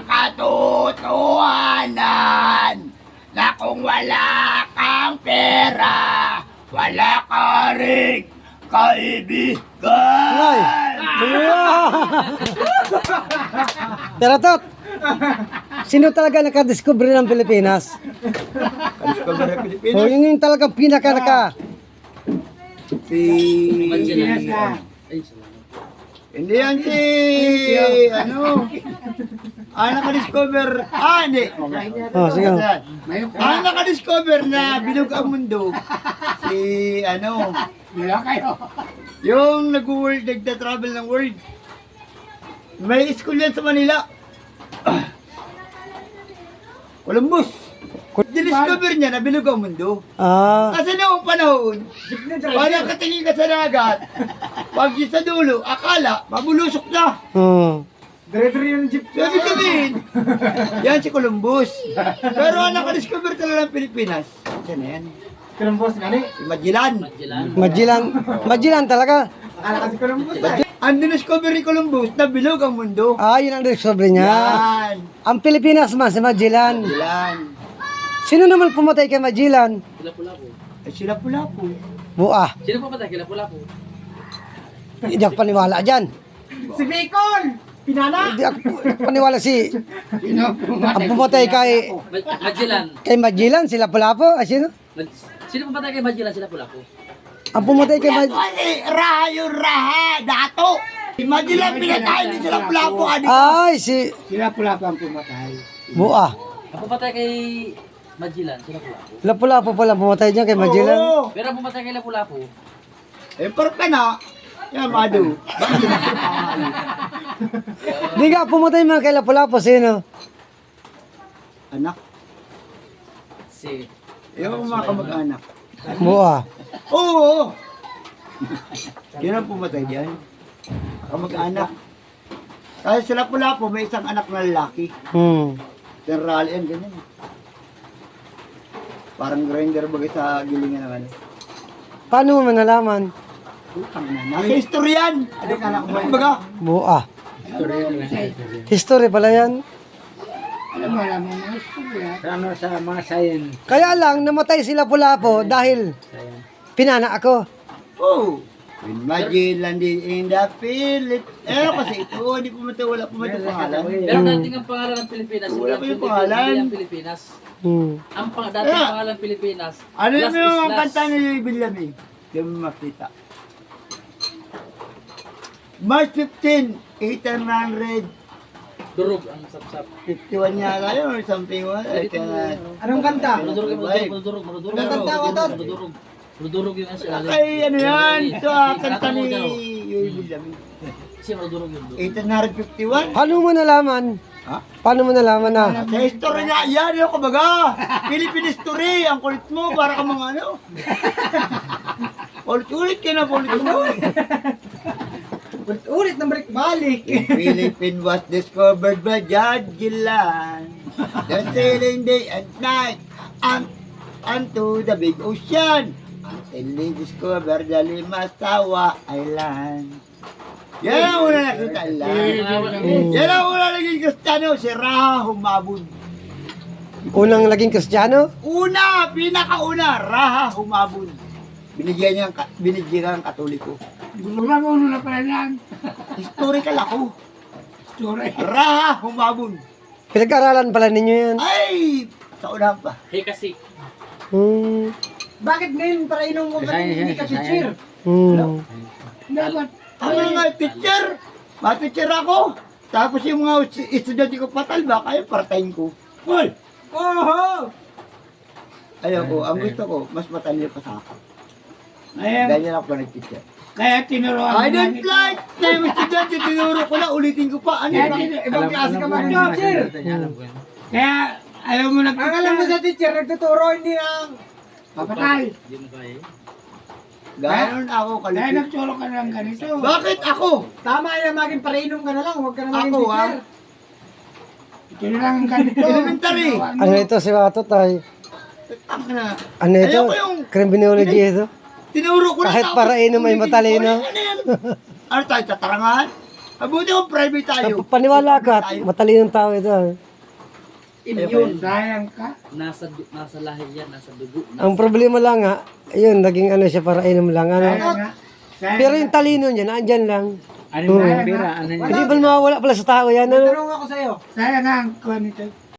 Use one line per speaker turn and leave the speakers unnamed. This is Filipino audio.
katotohanan na kung wala kang pera, wala ka rin kaibigan.
Ngay! Pero Tot, sino talaga nakadiscover ng Pilipinas?
Discover ng
O
Pilipinas.
yun yung talagang pinaka
Si... Hindi yan si... Ano? Naka-discover... hindi.
Oh, sige.
Naka-discover na bilog ang mundo. Si... Ano? Yung nag-world, nagta-travel ng world. May school yan sa Manila. Columbus. Discover niya na bilog ang mundo. Kasi noong panahon, parang katingin ka sa dagat, pag yun sa dulo, akala, mabulusok na.
Dire-dire yung jeep.
Sabi sabihin, yan si Columbus. Pero ang naka-discover talaga ng Pilipinas, yan na yan.
Columbus nga ni.
Si Magellan.
Magellan talaga.
Akala kasi Columbus eh.
Ang diniscover ni Columbus na bilog ang mundo.
Yun ang discover niya.
Yan.
Ang Pilipinas man, si Magellan.
Magellan.
Sino naman pumatay kay Magellan?
Ay sila pula po.
Buah.
Sino pa patay? Kila pula po.
Hindi ako paniwala dyan.
Si Bacon! Pinana!
Hindi ako paniwala ang pumatay
Magellan.
kay Magellan, sila pula po. Sino?
Sino pa patay kay Magellan? Sila pula po.
Ang pumatay kay
Yan
Magellan.
kasi raha yung raha, dato. Si Magellan pinatay, hindi sila pula po.
Si
Sila pula pa ang pumatay.
Buah.
Ang pumatay kay Magellan, sila pula po.
Lapu-lapu pala pumatay dyan kay Magellan.
Oo.
Pero ang pumatay kay Lapula po,
Pero ka na. Yan, Madu.
Hindi nga pumatay man kay Lapu-Lapu, sino?
Anak.
si...
Yung mga kamag-anak.
Buah.
Oo. Yan ang pumatay diyan. Kamag-anak. Kasi sila pula po, may isang anak na lalaki. Rally yan, ganyan. Parang grinder bagay sa gilingan ng ano.
Paano mo nalaman?
Nasa history yan! Baga,
Buah. History pala yan.
Alam mo, mga istorya. Ano sa mga science.
Kaya lang, namatay sila Lapu-Lapu dahil pinana ako.
oh! With Magellan din in the Philippines. Kasi ito, hindi pumatay, wala pumatay pangalan.
Pero dating ang pangalan ng Pilipinas,
Wala pa yung
hindi
pangalan.
ang Pilipinas. Ang dating pangalan ng Pilipinas,
Ano
last
yung
is
mga
last.
kanta ni William eh? Hindi mo makita. March 15, 1851
Durog ang sapsap.
yata yun or something.
Anong kanta?
Madudurog.
Anong kanta, Watot?
Madudurog yung asya.
Ay, ano yan? Ito kanta ni William.
Kasi madudurog yun.
1851.
Paano mo nalaman?
Ha?
Paano mo nalaman na?
Sa history nga yan, yung kumbaga. Philippine history, ang kulit mo, para ka mga ano. Ulit-ulit ka na, ulit-ulit.
Ulit na balik.
Philippine was discovered by Magellan. The sailing day and night unto the big ocean until they discovered the Limasawa Island. Yan ang una nakita lang. Yan ang una naging Kristiyano, si Raha Humabon.
Unang naging Kristiyano?
Pinakauna, Raha Humabon. Binigyan ng Katoliko.
Mga uno na pala yan.
Historical ako.
Story.
Raha Humabon.
Pinag-aralan pala ninyo yan.
Ay! Sa unahan pa.
Hey kasi,
Bakit ngayon para inom mo ka hindi ka teacher? Dapat.
Ako nga teacher. Ma-teacher ako. Tapos yung mga estudyante ko patal ba, kaya part-time ko. Hoy!
Oho!
Ayoko, ang gusto ko, mas matalino pa sa akin.
Ayan.
Ganyan ako nag-teacher.
Kaya tinuruan
I don't like na yung estudyante, tinuro ko na, ulitin ko pa. Ano
Kaya
yun?
ibang klase ka mag-teacher. Kaya ayaw mo nag-teacher. Ang alam mo sa teacher, nagtuturo hindi ang papatay.
hindi mo kaya.
Ganon ako
Kaya
kalipit.
nagturo ka lang ganito.
Bakit ako?
Tama yan, maging parinom ka na lang. Huwag ka na maging
Ako,
teacher. Ito na lang ang ganito.
Elementary.
Ano ito si Watot ay?
Ang na.
Ano ito?
Ayoko yung
Criminology ito?
tinuro ko na.
Kahit
tapos
para inom ay
ulitin ko.
matalino.
Ano yan? Ano tayo, tatarangan? Mabuti kung private tayo.
Paniwala ka, at matalinong tao ito.
Immune.
Sayang ka.
Nasa lahi yan, nasa dugo.
Ang problema lang nga, ayun, naging ano siya para inom lang. Ano.
Sayang nga. Sayang
Pero yung talino niya, naandyan lang.
Ano yung pera? Ano
Hindi ba mawawala pala sa tao yan? Ano?
Tanong ako sa'yo. Sayang nga ang kuha nito.